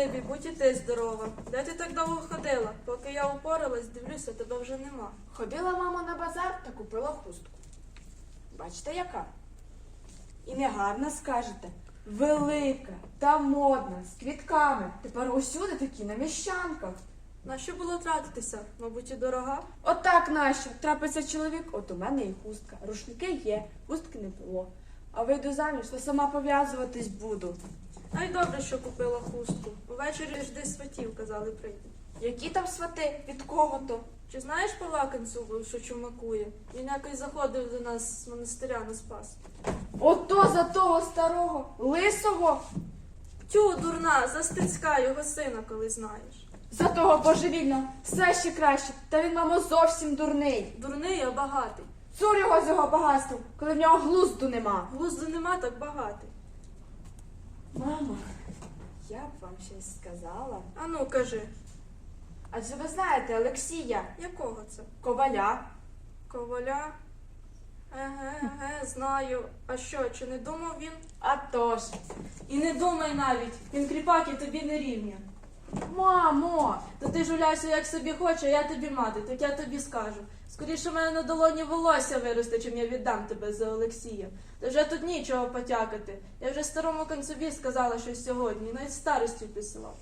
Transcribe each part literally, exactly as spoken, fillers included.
Спасибі, будь і ти здорова. Де ти так довго ходила? Поки я упоралась, дивлюся, тебе вже нема. Ходила мама на базар та купила хустку. Бачите, яка? І не гарна, скажете. Велика та модна, з квітками. Тепер усюди такі на міщанках. На що було тратитися? Мабуть, і дорога? Отак нащо? Трапиться чоловік, от у мене і хустка. Рушники є, хустки не було. А вийду заміж, то сама пов'язуватись буду. Ай, добре, що купила хустку. Увечері жди сватів, казали, прийти. Які там свати? Від кого то? Чи знаєш Павла Канцубу, що чумакує? Він якось заходив до нас з монастиря на Спас. Ото за того старого, лисого, Тю, дурна, за Стецька, його сина, коли знаєш. за того божевільного, все ще краще. Та він, мамо, зовсім дурний. Дурний, а багатий. Цур його з його багатством, коли в нього глузду нема. Глузду нема, так багатий. Мамо, я б вам щось сказала. Ану, кажи, Адже ви знаєте Олексія якого це? Коваля. Коваля? Еге, еге, знаю. А що, чи не думав він? А тож. І не думай навіть, він кріпак і тобі не рівня. Мамо, То ти жуляйся як собі хочеш, а я тобі мати, так я тобі скажу. Скоріше в мене на долоні волосся виросте, чим я віддам тебе за Олексія. Та вже тут нічого потякати. Я вже старому концові сказала щось сьогодні, і навіть старостю писала.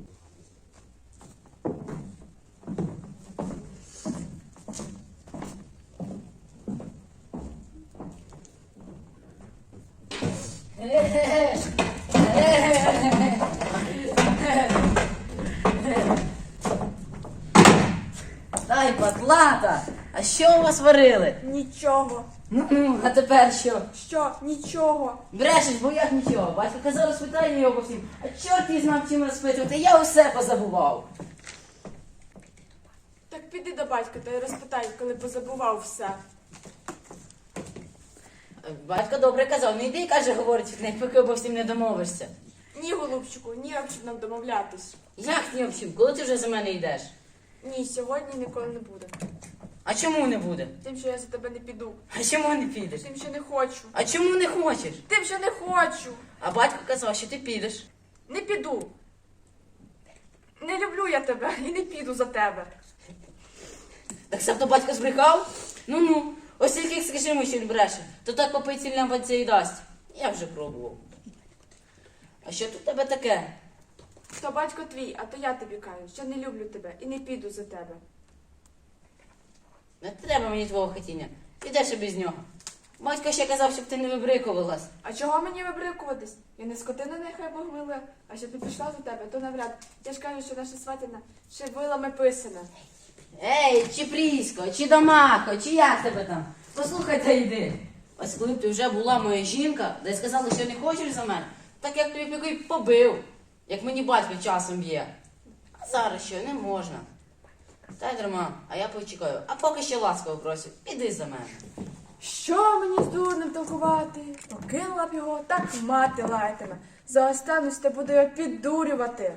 Ай, патлата! А що у вас варили? нічого. Ну, а тепер що? Що? Нічого. Брешеш, бо як нічого. Батько казав, розпитай його по всім. А чорт її знав, чим розпитувати, я усе позабував. Так піди до батька та й розпитай, коли позабував все. Батько добре казав, не йди, каже, говорить, не поки обо всім не домовишся. Ні, голубчику, ні, об чим нам домовлятись. Як ні об чим? Коли ти вже за мене йдеш? Ні, сьогодні ніколи не буде. А чому не буде? Тим, що я за тебе не піду. А чому не підеш? Тим, що не хочу. А чому не хочеш? Тим, що не хочу. А батько казав, що ти підеш. Не піду. Не люблю я тебе і не піду за тебе. Так сам то батько збрехав? Ну-ну, ось тільки скажімо, що він бреше, то так попить сильна бадця і дасть. Я вже пробував. А що тут у тебе таке? То батько твій, а то я тобі кажу, що не люблю тебе і не піду за тебе. Не треба мені твого хотіння. Підеш і без нього. Батько ще казав, щоб ти не вибрикувалась. А чого мені вибрикуватись? Я не скотина, нехай Бог милує, а щоб не пішла за тебе, то навряд. Я ж кажу, що наша сватина ще вилами писана. Ей, чи Прісько, чи Домахо, чи як тебе там? Послухай та йди. Ось коли б ти вже була моя жінка, де сказала, що не хочеш за мене, так як тобі піку й побив, як мені батько часом б'є. А зараз що, не можна. Та й дарма, а я почекаю. А поки ще ласково просю, піди за мене. Що мені з дурнем толкувати? Покинула б його, так мати лаятиме. За останусь та буду його піддурювати.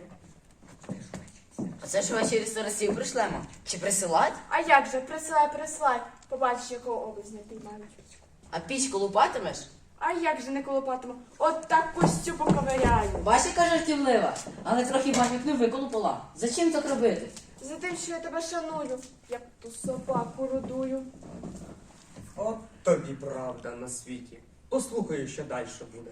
Оце ж ввечері старостів пришлемо. Чи присилать? А як же, присилай, присилай. Побачиш, якого образня піймають. А пічку лупатимеш? А як же не колопатиму? От так костю поковиряю. Бачиш, яка жартівлива, але трохи батьок не виколупала. Зачим так робити? За тим, що я тебе шаную, як ту собаку родую. От тобі правда на світі. Послухаю, що далі буде.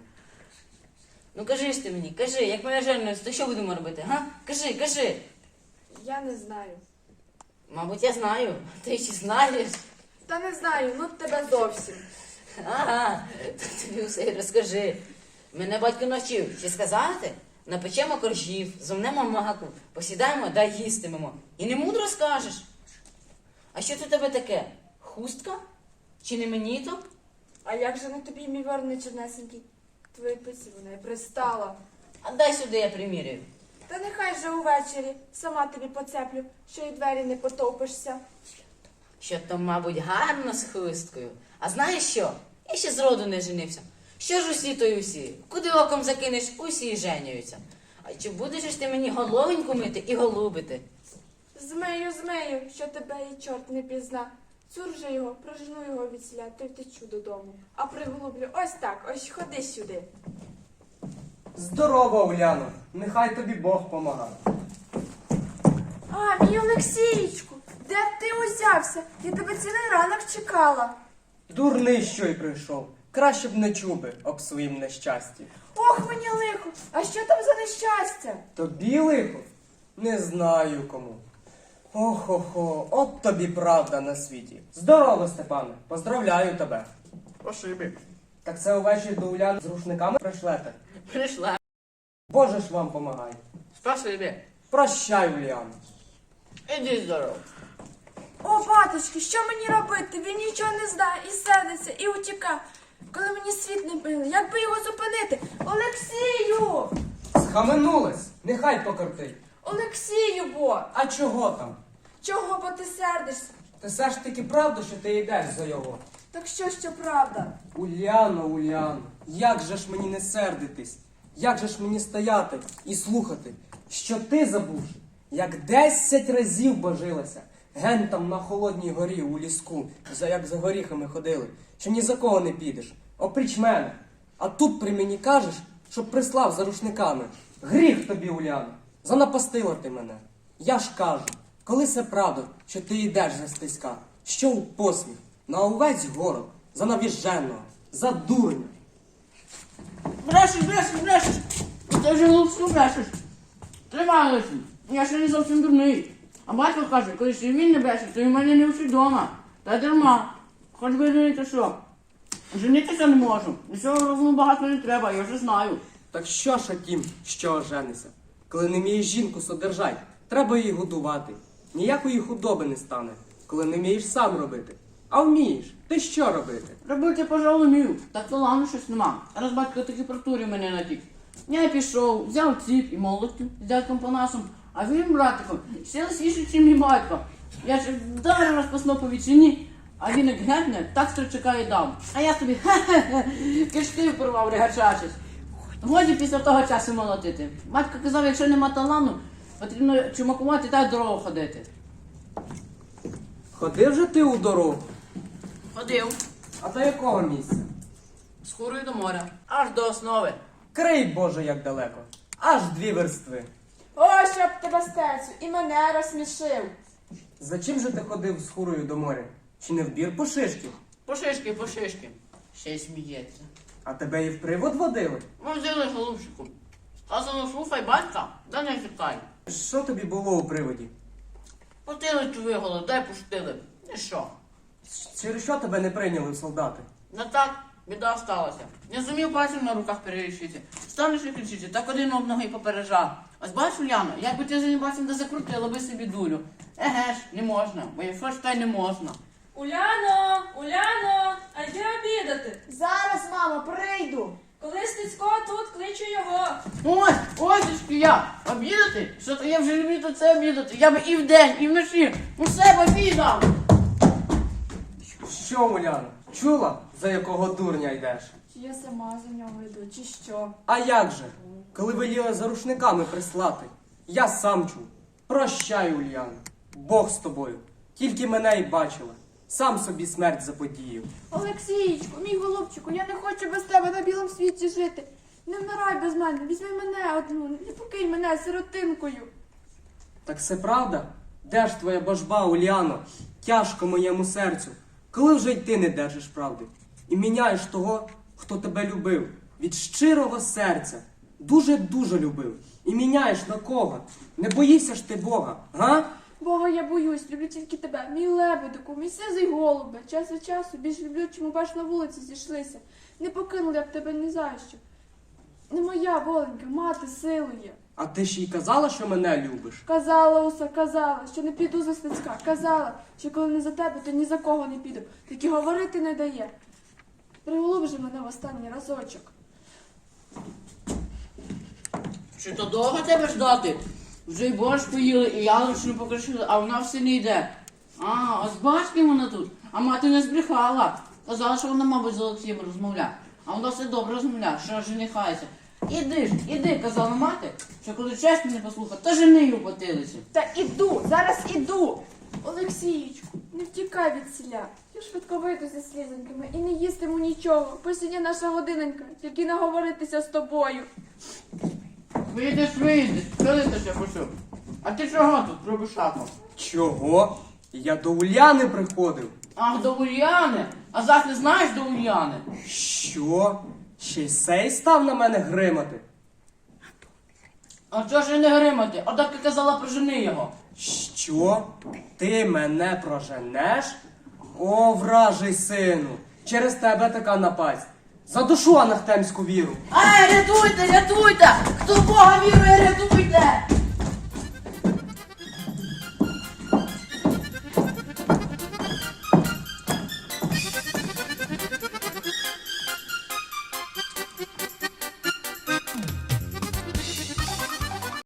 Ну кажи ж ти мені, кажи, як мене женуться, то що будемо робити, га? Кажи, кажи. Я не знаю. Мабуть, я знаю. Ти ще знаєш. Та не знаю, ну тебе зовсім. Ага, то тобі все й розкажи. Мене батько навчив, ще сказати? Напечемо коржів, зомнемо маку, посідаємо да їстимемо. І не мудро скажеш. А що це у тебе таке? Хустка? Чи не мені то? А як же не тобі, мій вірний чернесенький? Твої пиці вона й пристала. А дай сюди, я приміряю. Та нехай же увечері сама тобі поцеплю, що й двері не потопишся. Що то, мабуть, гарно з хусткою. А знаєш що? Я ще зроду не женився. Що ж усі, то й усі. Куди оком закинеш, усі й женюються. А чи будеш ж ти мені головеньку мити і голубити? Змею, змею, що тебе і чорт не пізна. Цур же його, прожену його від сля, то й втечу додому. А приголублю ось так, ось ходи сюди. Здорово, Уляно. Нехай тобі Бог помагає. А, мій Олексієчку, де б ти узявся? Я тебе цілий ранок чекала. Дурний, що й прийшов. Краще б не чув би об своїм нещасті. Ох, мені лихо, а що там за нещастя? Тобі лихо? Не знаю кому. Ох-хо-хо, от тобі правда на світі. Здорово, Степане, поздравляю тебе. Спасибі. Так це увечері до Уляни з рушниками пришлете? Прийшла. Боже ж вам помагай. Спасибі. Прощай, Уляно. Іди здорово. О, баточки, що мені робити? Він нічого не знає і сердиться, і утікав. Коли мені світ не били, як би його зупинити? Олексію! Схаменулась, нехай покортить. Олексію, бо! А чого там? Чого бо ти сердишся? Ти все ж таки правда, що ти йдеш за його? Так що, що правда? Уляно, Уляно, як же ж мені не сердитись? Як же ж мені стояти і слухати, що ти, забувши, як десять разів божилася, ген там на холодній горі у ліску, за як за горіхами ходили, що ні за кого не підеш, опріч мене. А тут при мені кажеш, щоб прислав за рушниками. Гріх тобі, Уляно, занапастила ти мене. Я ж кажу, коли це правда, що ти йдеш за стиська, що у посміх, на увесь город, за навіженого, за дурня. Брешеш, брешеш, брешеш. Ти вже глупську брешеш. Тримай лише. Я ще не зовсім дурний. А батько каже, коли ще він не бреше, то й в мене не всі вдома. Та дарма. Хоч би женити що. Женитися не можу. Нічого розуму багато не треба, я вже знаю. Так що ж тім, що оженися? Коли не вмієш жінку содержать, треба її годувати. Ніякої худоби не стане, коли не вмієш сам робити. А вмієш, ти що робити? Робити, пожалуй, вмію. Так то ладно, щось нема. Раз батько таки протурив мене натік. Я пішов, взяв ціп і молотків з дядьком Панасом, а він, братиком, ще лисіший, ніж мій батько. Я ще вдарив розпасно по відчині, а він як гетне, так строчака і дав. А я собі хе-хе-хе, кишки порвав, регачачись. Годі після того часу молотити. Батько казав, якщо нема талану, потрібно чумакувати та й дорогу ходити. Ходив же ти у дорогу, Ходив. а до якого місця? З Хурою до моря, аж до основи. Крий, Боже, як далеко. Аж дві верстви. О, щоб тебе стецю, і мене розсмішив. За чим же ти ходив з хурою до моря? Чи не в бір по шишки? Пошишки, пошишки. Ще й сміється. А тебе і в привод водили? Ми взяли голубчику. Сказано, слухай батька, да не втікай. Що тобі було у приводі? Потилицю виголи, дай пустили. І що? Через що тебе не прийняли в солдати? Не так, біда сталася. Не зумів пальцем на руках перерішити. Станеш і кричити, так один об ноги попереджав. Ось бачиш, Уляно, як би ти за ним пальцем не закрутила би собі дулю. Еге ж, не можна, бо якщо ж та й не можна. Уляно, Уляно, а йди обідати. Зараз, мамо, прийду. Коли Стецько тут, кличу його. Ось, ось ж я. Обідати? Що то я вже люблю то це обідати. Я би і вдень, і вночі у себе обідав. Що, Уляно, чула, за якого дурня йдеш? Чи я сама за нього йду, чи що? А як же? Коли веліли за рушниками прислати, я сам чув. Прощай, Ульяно, Бог з тобою. Тільки мене й бачила. Сам собі смерть заподіяв. Олексійчику, мій голубчику, я не хочу без тебе на білому світі жити. Не вмирай без мене, візьми мене одну, не покинь мене сиротинкою. Так це правда? Де ж твоя божба, Ульяно? Тяжко моєму серцю. Коли вже й ти не держиш правди? І міняєш того, хто тебе любив. Від щирого серця. Дуже-дуже любив. І міняєш на кого? Не боїшся ж ти Бога, га? Бога, я боюсь, люблю тільки тебе, мій лебедику, мій сизий голубе. Час від часу більш люблю, чому бач на вулиці зійшлися. Не покинули я б тебе ні за що. Не моя воленька, мати силує. А ти ж їй казала, що мене любиш? Казала усе, казала, що не піду за Стецька. Казала, що коли не за тебе, то ні за кого не піду. Так і говорити не дає. Приголуб же мене в останній разочок. Чи то довго тебе ждати? Вже й борщ поїли, і яловичину покришили, а вона все не йде. А, ось бач, ким вона тут. А мати не збрехала. Казала, що вона, мабуть, з Олексієм розмовляє. А вона все добре розмовляє, що женихається. Іди ж, іди, казала мати, що коли чесно не послухав, то жени її у потилиці. Та іду, зараз іду. Олексієчку, не втікай від селя. Я швидко вийду зі слізоньками і не їстиму нічого. Посідня наша годиненька, тільки наговоритися з тобою. Вийдеш, вийдеш, коли ти ще почув? А ти чого тут робиш шахом? Чого? Я до Уляни приходив. Ах, до Ульяни. А зах не знаєш до Ульяни? Що? Ще й сей став на мене гримати? А чого ж і не гримати? А так ти казала, прожени його. Що? Ти мене проженеш? О, вражий сину! Через тебе така напасть. Задушу анахтемську віру. Ай, рятуйте, рятуйте! Хто в Бога вірує, рятуйте!